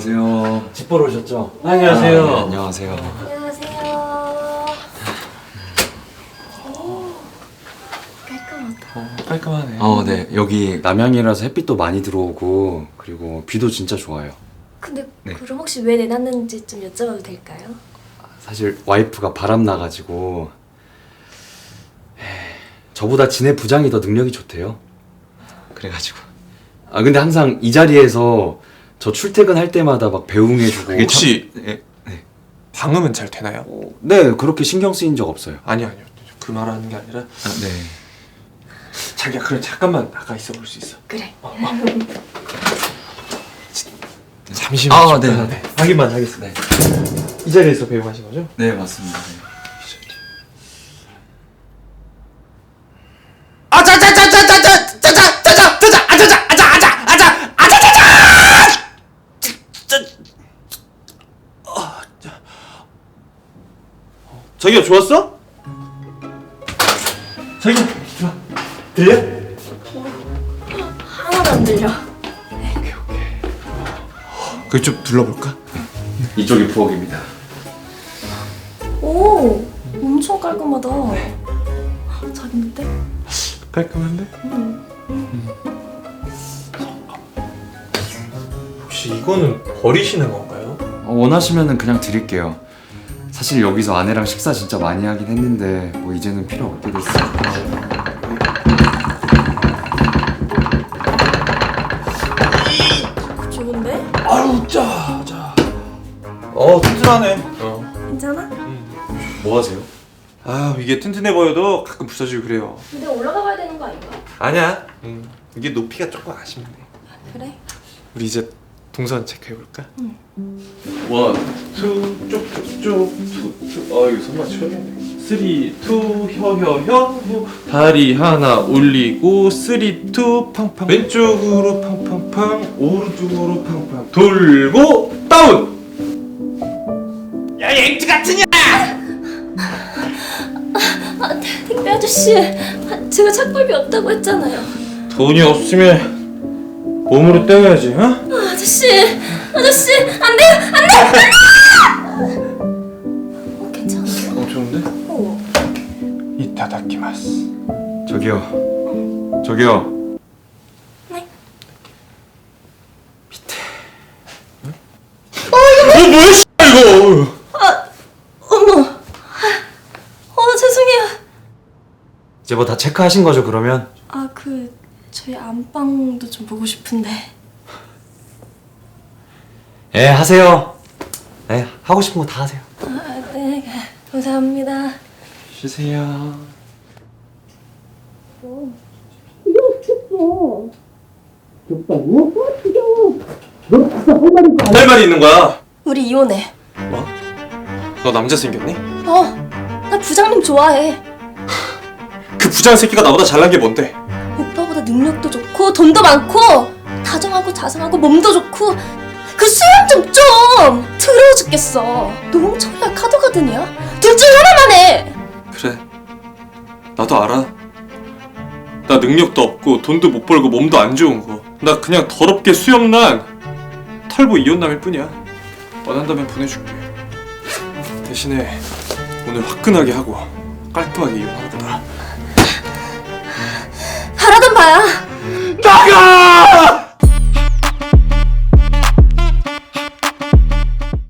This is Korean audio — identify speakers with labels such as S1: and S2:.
S1: 안녕하세요.
S2: 집 보러 오셨죠?
S1: 안녕하세요. 네, 안녕하세요.
S3: 안녕하세요. 오, 깔끔하다.
S2: 깔끔하네.
S1: 네. 여기 남양이라서 햇빛도 많이 들어오고 그리고 비도 진짜 좋아요.
S3: 근데
S1: 네.
S3: 그럼 혹시 왜 내놨는지 좀 여쭤봐도 될까요?
S1: 사실 와이프가 바람 나가지고 저보다 지네 부장이 더 능력이 좋대요. 그래가지고 근데 항상 이 자리에서 저 출퇴근할 때마다 막 배웅해주고
S2: 혹시
S1: 네,
S2: 방음은 잘 되나요?
S1: 네 그렇게 신경 쓰인 적 없어요.
S2: 아니요. 그 말하는 게 아니라
S1: 네.
S2: 자기야 그래 잠깐만 나가 있어 볼 수 있어.
S3: 그래.
S2: 잠시만.
S1: 네.
S2: 확인만 하겠습니다. 이 자리에서 배웅하신 거죠?
S1: 네 맞습니다. 네.
S2: 자기야 좋았어? 자기야 좋아. 들려?
S3: 하나도 안 들려.
S2: 그걸 좀 눌러볼까?
S1: 이쪽이 부엌입니다.
S3: 오, 엄청 깔끔하다. 작은데?
S2: 깔끔한데? 혹시 이거는 버리시는 건가요?
S1: 원하시면은 그냥 드릴게요. 사실 여기서 아내랑 식사 진짜 많이 하긴 했는데 뭐 이제는 필요 없게 됐어요.
S3: 좋은데?
S2: 아유 짜. 튼튼하네.
S3: 괜찮아?
S1: 뭐 하세요?
S2: 아 이게 튼튼해 보여도 가끔 부서지고 그래요.
S3: 근데 올라가 봐야 되는 거 아닌가?
S2: 아니야. 이게 높이가 조금 아쉽네.
S3: 그래?
S2: 우리 이제 동선 체크해볼까?
S1: 원.
S2: 쭉쭉쭉쭉 이거 손 맞춰야겠네. 3, 2, 혀 다리 하나 올리고 3, 2, 팡팡 왼쪽으로 팡팡팡 오른쪽으로 팡팡 돌고 다운. 야 앵지 같으냐?
S3: 택배 아저씨, 제가 착불비 없다고 했잖아요.
S2: 돈이 없으면 몸으로 떼어야지, 어?
S3: 아저씨, 안 돼요, 안 돼! 괜찮아요?
S2: 좋은데?
S3: 어.
S2: 이타다키마스.
S1: 저기요.
S3: 네?
S2: 뭐야 이거?
S3: 어머. 죄송해요.
S1: 이제 뭐 다 체크하신 거죠 그러면?
S3: 저희 안방도 좀 보고 싶은데.
S1: 예 하세요. 네 하고 싶은 거 다 하세요.
S3: 네, 감사합니다.
S2: 쉬세요. 할 말이 있는 거야.
S3: 우리 이혼해.
S2: 뭐? 너 남자 생겼니?
S3: 나 부장님 좋아해.
S2: 그 부장 새끼가 나보다 잘난 게 뭔데?
S3: 오빠보다 능력도 좋고 돈도 많고 다정하고 자상하고 몸도 좋고 그 수염 좀 더러워 죽겠어. 노홍철이야 카더가든이야? 둘 중 하나만 해.
S2: 그래. 나도 알아. 나 능력도 없고 돈도 못 벌고 몸도 안 좋은 거. 나 그냥 더럽게 수염난 털보 이혼남일 뿐이야. 원한다면 보내줄게. 대신에 오늘 화끈하게 하고 깔끔하게 이혼하는 거다.
S3: 바라던 바야.
S2: 나가!